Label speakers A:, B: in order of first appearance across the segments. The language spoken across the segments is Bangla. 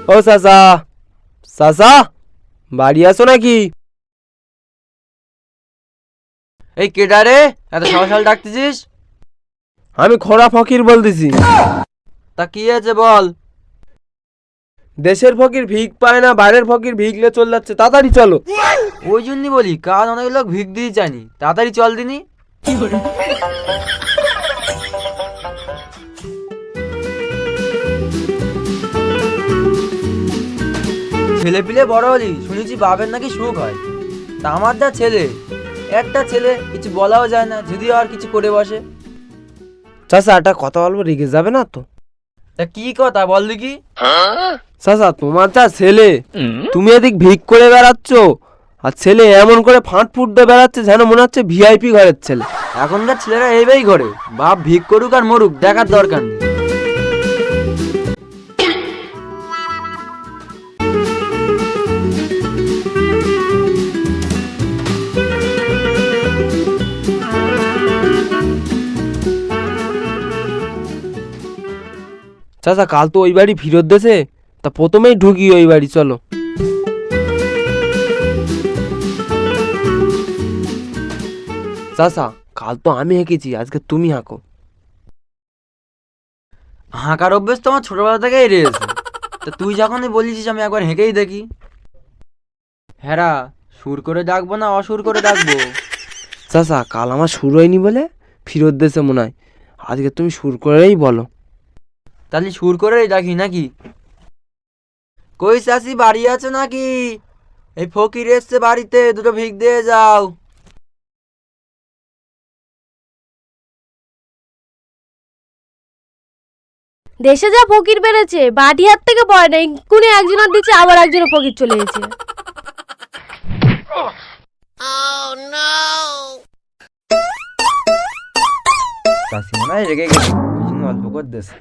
A: ও চাচা, চাচা বাড়ি আছো নাকি?
B: এই কেডা রে, এত সকাল ডাকতেছিস?
A: আমি খোড়া ফকির বলতেছি।
B: তা কি আছে বল।
A: দেশের ফকির ভিক পায় না, বাইরের ফকির ভিকলে চল যাচ্ছে, তাড়াতাড়ি চলো।
B: ওই জন্যই বলি, কাজ অনেক লোক ভিক দিয়ে জানি, তাড়াতাড়ি চল দিনি। ছেলে পিলে বড় হলি, শুনেছি বাপের নাকি সুখ হয়। তা আমার যা ছেলে, একটা ছেলে, কিছু বলাও যায় না, যদিও আর কিছু করে বসে।
A: চাচা একটা কথা বলবো, রেগে যাবে না তো?
B: তা কি কথা বল দেখি।
A: চাচা তোমার যা ছেলে, তুমি এদিক ভিক করে বেড়াচ্ছ, আর ছেলে এমন করে ফাঁট ফুট দিয়ে বেড়াচ্ছে যেন মনে হচ্ছে ভিআইপি ঘরের ছেলে।
B: এখনকার ছেলেরা এইভাবেই করে, বাপ ভিক করুক আর মরুক, দেখার দরকার নেই।
A: চাচা কাল তো ওই বাড়ি ফিরত দেছে, তা প্রথমেই ঢুকি ওই বাড়ি, চলো। চাচা কাল তো আমি হেঁকেছি, আজকে তুমি হাঁকো।
B: হাঁকার অভ্যেস তো আমার ছোটবেলা থেকেই রয়েছে। তা তুই যখনই বলিস আমি একবার হেঁকেই দেখি। হ্যাঁ, সুর করে ডাকবো না অসুর করে ডাকবো?
A: চাচা কাল আমার সুর হয়নি বলে ফিরত দেছে মনে হয়, আজকে তুমি সুর করেই বলো।
B: তাহলে সুর করেই ডাকি নাকি? কই চাচি বাড়ি আছে নাকি? এই ফকির এসছে বাড়িতে, দুটো ভিক দিয়ে যাও।
C: দেশে যা ফকির বেড়েছে, বাড়ি হাত থেকে পড়ে না, এক্ষুনি একজনের দিচ্ছে, আবার একজনের ফকির চলে গেছে।
B: চাচি মনে হয় রেগে গেছে, ওই জন্য অল্প করে দিয়েছে।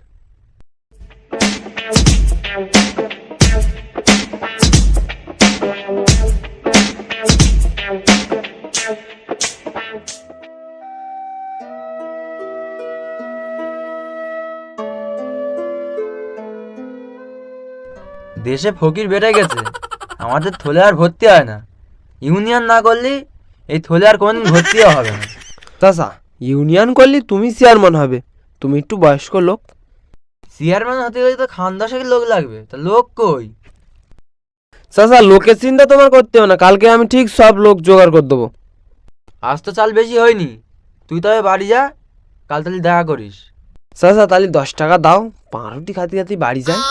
B: দেশে ফকির বেড়ে গেছে, আমাদের থলে আর ভর্তি হয় না। ইউনিয়ন না করলে এই থলে আর কোনদিন ভর্তিও হবে না।
A: চাচা ইউনিয়ন করলে তুমি চেয়ারম্যান হবে, তুমি একটু বয়স্ক লোক।
B: চেয়ারম্যান হতে গেলে তো খানদাসের লোক লাগবে, তা লোক কই?
A: চাচা লোকের চিন্তা তোমার করতে হবে না, কালকে আমি ঠিক সব লোক জোগাড় করে দেবো।
B: আজ তো চাল বেশি হয়নি, তুই তবে বাড়ি যা, কাল তাহলে দেখা করিস।
A: চাচা তাহলে 10 টাকা দাও, পাউরুটি খাতে খাতে বাড়ি যায়।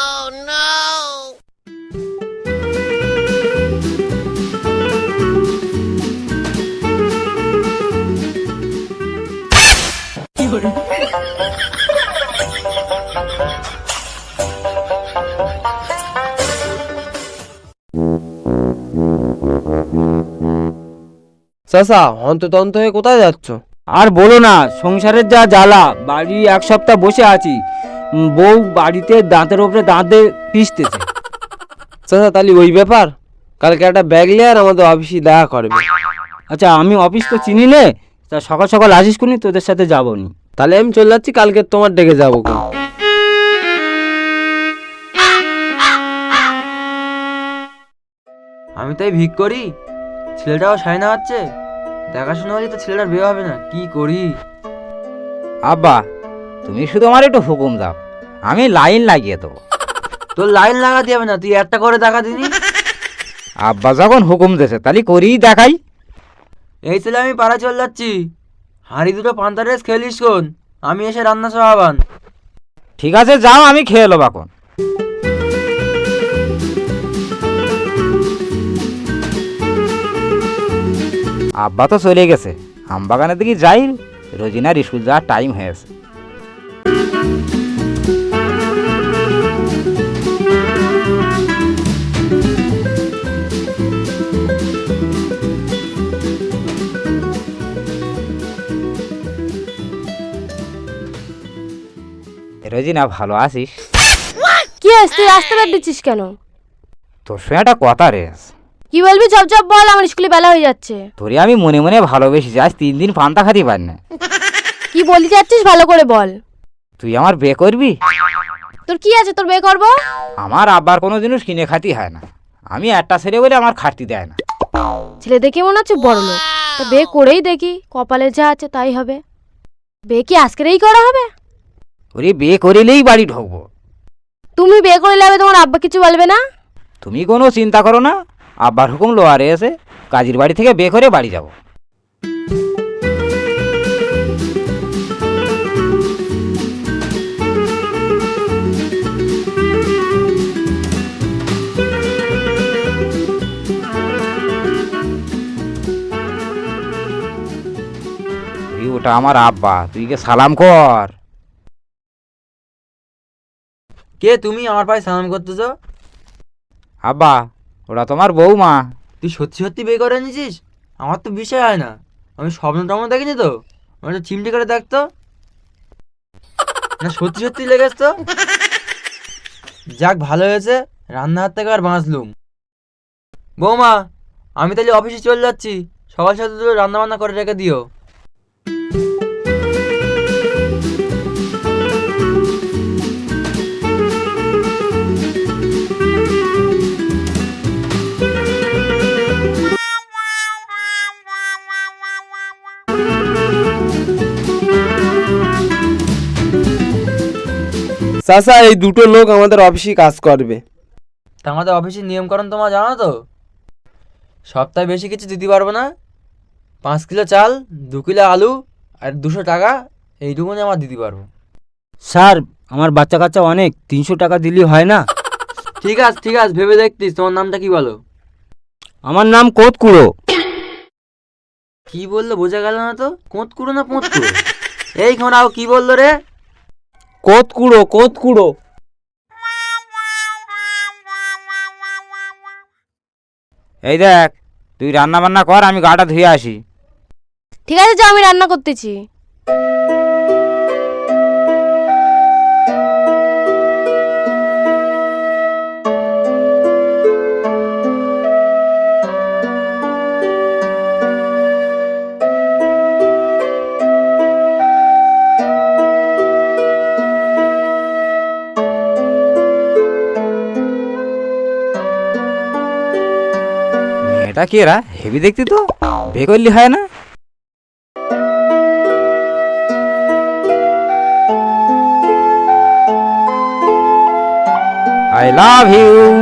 A: চাচা হন্ততন্ত হয়ে কোথায় যাচ্ছ?
D: আর বলো না, সংসারের যা জ্বালা, বাড়ি এক সপ্তাহ বসে আছি, বউ বাড়িতে দাঁতের ওপরে দাঁত দিয়ে পিষতেছে।
A: চাচা তাহলে ওই ব্যাপার, কালকে একটা ব্যাগ নিয়ে আর আমাদের অফিসে দেখা করবে।
D: আচ্ছা আমি অফিস তো চিনি নে, তা সকাল সকাল আসিস কোনি, তোদের সাথে যাবো নি।
A: তাহলে আমি চলে যাচ্ছি, কালকে তোমার ডেকে যাবো।
B: আমি তাই ভিক করি, ছেলেটাও সায় না হচ্ছে, দেখাশোনা হলে তো ছেলেটার বিয়ে হবে না, কি করি?
D: আব্বা তুমি শুধু আমার একটু হুকুম দাও, আমি লাইন লাগিয়ে দেবো।
B: তোর লাইন লাগাতে হবে না, তুই একটা করে দেখা দিনি।
D: আব্বা যখন হুকুম দিয়েছে তাহলে করেই দেখাই।
B: এই ছেলে আমি পাড়া চলে যাচ্ছি, হাঁড়ি দুটো পান্তা রেস খেলিস কোন, আমি এসে রান্না সহাবান।
D: ঠিক আছে যাও, আমি খেয়ে নেবো এখন। আব্বা তো চলে গেছে, আমবাগানের দিকে যাই, রোজিনার স্কুল যাওয়ার টাইম হয়েছে। রোজিনা ভালো আছিস?
C: কি হয়েছে, তুই আসতে পার দিচ্ছিস কেন?
D: তোর সঙ্গে একটা কথা রে।
C: কি বলবি চপ চপ বল, আমার স্কুলে বেলা হয়ে যাচ্ছে।
D: তোরে আমি মনে মনে ভালোবেসেছি, আজ 3 দিন পান্তা খাতে পারি না।
C: কি বলি যাচ্ছিস ভালো করে বল।
D: তুই আমার বিয়ে করবি?
C: তোর কি আছে তোর বিয়ে করবো?
E: আমার আব্বার কোনো জিনিস কিনে খাতি হয় না, আমি একটা ছেলে বলে আমার খাটতি দেয় না।
C: ছেলে দেখে মনে হচ্ছে বড় লোক, তো বিয়ে করেই দেখি, কপালে যা আছে তাই হবে। বিয়ে কি আজকেরই করা হবে?
E: ওরে বিয়ে করিলেই বাড়ি ঢুকবো।
C: তুমি বিয়ে করে নেবে, তোমার আব্বা কিছু বলবে না?
E: তুমি কোনো চিন্তা করো না, আব্বার হুকুম লোয়ারে এসে কাজীর বাড়ি থেকে বিয়ে করে বাড়ি যাব। ওটা আমার আব্বা, তুই কে সালাম কর।
B: কে তুমি আমার পায়ে সালাম করতেছো?
E: আব্বা, ওটা তোমার বৌমা।
B: তুই সত্যি সত্যি বিয়ে করে নিয়েছিস? আমার তো বিষয় হয় না, আমি স্বপ্ন টপ্ন দেখিনি তো, আমি তো চিমটি করে দেখতো না, সত্যি সত্যি লেগেছ তো। যাক ভালো হয়েছে, রান্না হাত থেকে আর বাঁচলুম। বৌমা, আমি তাহলে অফিসে চলে যাচ্ছি, সকাল সাথে দুটো রান্না বান্না করে রেখে দিও।
A: চাচা, এই দুটো লোক আমাদের অফিসে কাজ করবে।
B: তা আমাদের অফিসের নিয়মকানুন তোমার জানো তো? সপ্তাহে বেশি কিছু দিতে পারবো না, 5 কিলো চাল, 2 কিলো আলু আর 200 টাকা, এইটুকুনি আমার দিতে পারবো।
D: স্যার, আমার বাচ্চা কাচ্চা অনেক, 300 টাকা দিলেই হয় না?
B: ঠিক আছে ঠিক আছে, ভেবে দেখতিস। তোমার নামটা কি বলো?
D: আমার নাম কোতকুড়ো।
B: কি বললো বোঝা গেল না তো, কোঁতকুড়ো না পোঁতকুড়ো? এই খোনাও কি বললো রে?
A: কোতকুড়ো, কোতকুড়ো।
E: এই দেখ, তুই রান্না বান্না কর, আমি গাটা ধুয়ে আসি।
C: ঠিক আছে, যাও, আমি রান্না করতেছি।
E: মেয়েটা কি এরা হেভি দেখতি তো, বিয়ে করলি হয় না? I love you.